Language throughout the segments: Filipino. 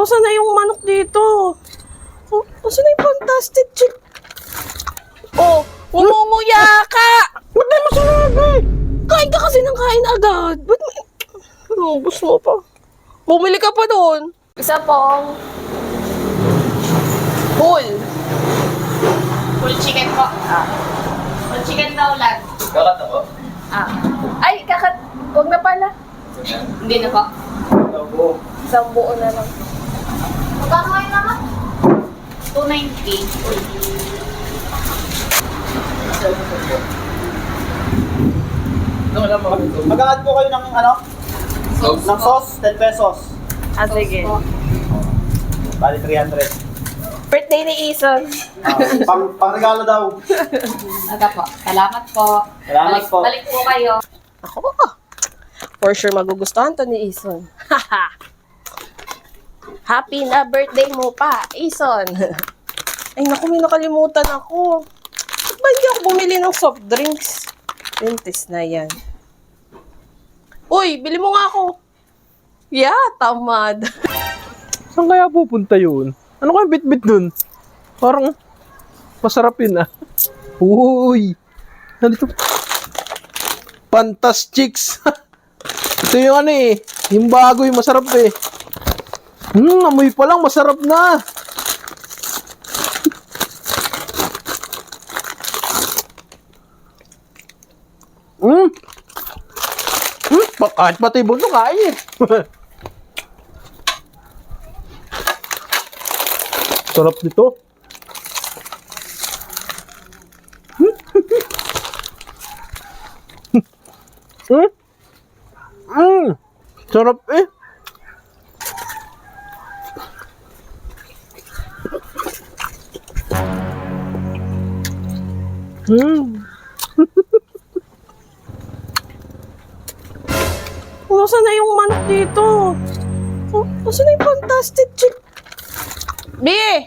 Nasaan na yung manok dito? Oh, nasaan na yung fantastic chick? Oh, umumuya ka! Ba't di mo sinabi? Kain ka kasi ng kain agad. Ba't may... Ubus mo pa. Bumili ka pa doon. Isa pong... Full. Full chicken po. Full chicken daw lang. Kakat ako. Ay, kakat... Huwag na pala. Hindi na po. Ako. Isang buo na lang. Magkano kayo naman? 290. Full. Mag-add po kayo ng ano? Ng sauce, 10 pesos. Ah, sige. Bali 300. Birthday ni Ison. Pang regalo daw. Aga po. Salamat po. Salamat po. Balik po kayo. Ako for sure magugustuhan to ni Ison. Happy na birthday mo pa, Ison. Ay naku, may nakalimutan ako. Ba't ba hindi ako bumili ng soft drinks? Pintis na yan. Uy, bili mo nga ako. Yeah, tamad. Saan kaya pupunta yun? Ano kaya bit-bit dun? Parang masarap yun ah. Uy! Nandito. Fantastics! Ito yung ano eh. Yung bago yung masarap eh. Amoy pa lang masarap na. Kahit pati bunso kain eh. Sarap nito. Sarap eh. Nasaan na yung manok dito? Oh, nasaan na yung fantastic chick? Bi!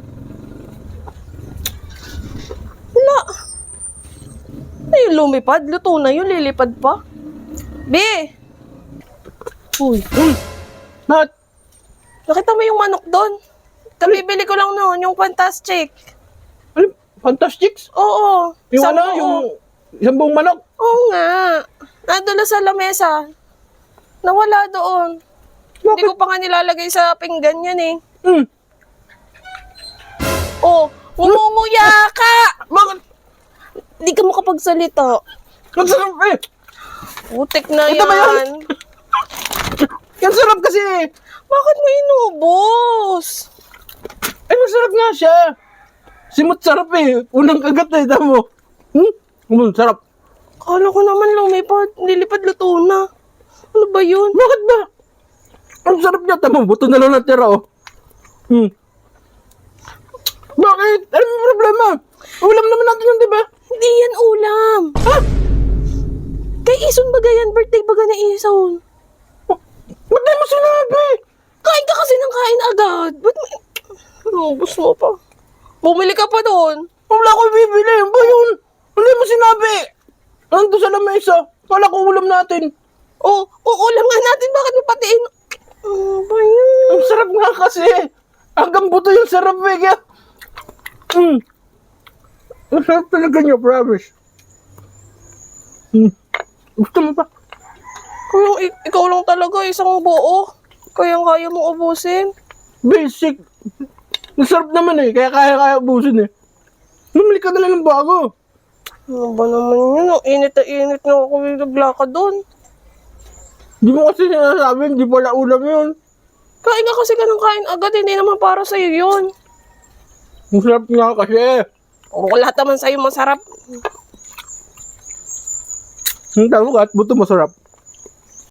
Wala. Ay, lumipad. Luto na yun. Lilipad pa. Bi! Uy. Nat! Nakita mo yung manok doon? Kabibili ko lang noon, yung fantastic. Ano? Fantastics? Oo. Yung isang ano? buo. Yung isang buong manok? Oo nga. Nandun na sa lamesa. Nawala doon. Hindi ko pa nga nilalagay sa pinggan yan eh. Oh, umumuya ka! Bakit? Hindi ka makapagsalita. Ang sarap eh! Putik na Ito ba yan. Ang sarap kasi eh! Bakit mo inubos? Ay, masarap nga siya! Simot sarap eh! Unang kagat eh, tamo. Sarap. Kala ko naman lumipad. Nilipad luto na. Ano ba yun? Bakit ba? Ang sarap niya, tamo. Buto na lang natira oh. Bakit? Ano yung problema? Ulam naman natin yun, di ba? Hindi yan ulam. Ha? Kay Ison baga yan. Birthday baga na Ison. Ba't di mo sinabi? Kain ka kasi ng kain agad. Ba't may... Ubus mo pa. Bumili ka pa doon. Wala ko bibili. Ano ba yun? Hindi mo sinabi. Nandun sa lamesa. Wala ko ulam natin. Oh, uulam nga natin. Bakit mo patiin? Ano ba yun? Ang sarap nga kasi. Hanggang buto yung sarap eh. Kaya... Ang sarap talaga niya, promise. Gusto mo pa? Kung ikaw lang talaga isang buo. Kaya mong ubusin. Basic. Ang sarap naman eh. Kaya kaya ubusin eh. Bumili ka na lang ng bago. Ano ba naman yun? Ang init na init na ako naglakad doon. Di mo kasi sinasabi, hindi pala ulam yun. Kain ka kasi ka ng kain agad. Hindi naman para sa'yo yun. Ang sarap nga kasi. O lahat naman sa'yo masarap. Ang tawag at buto masarap.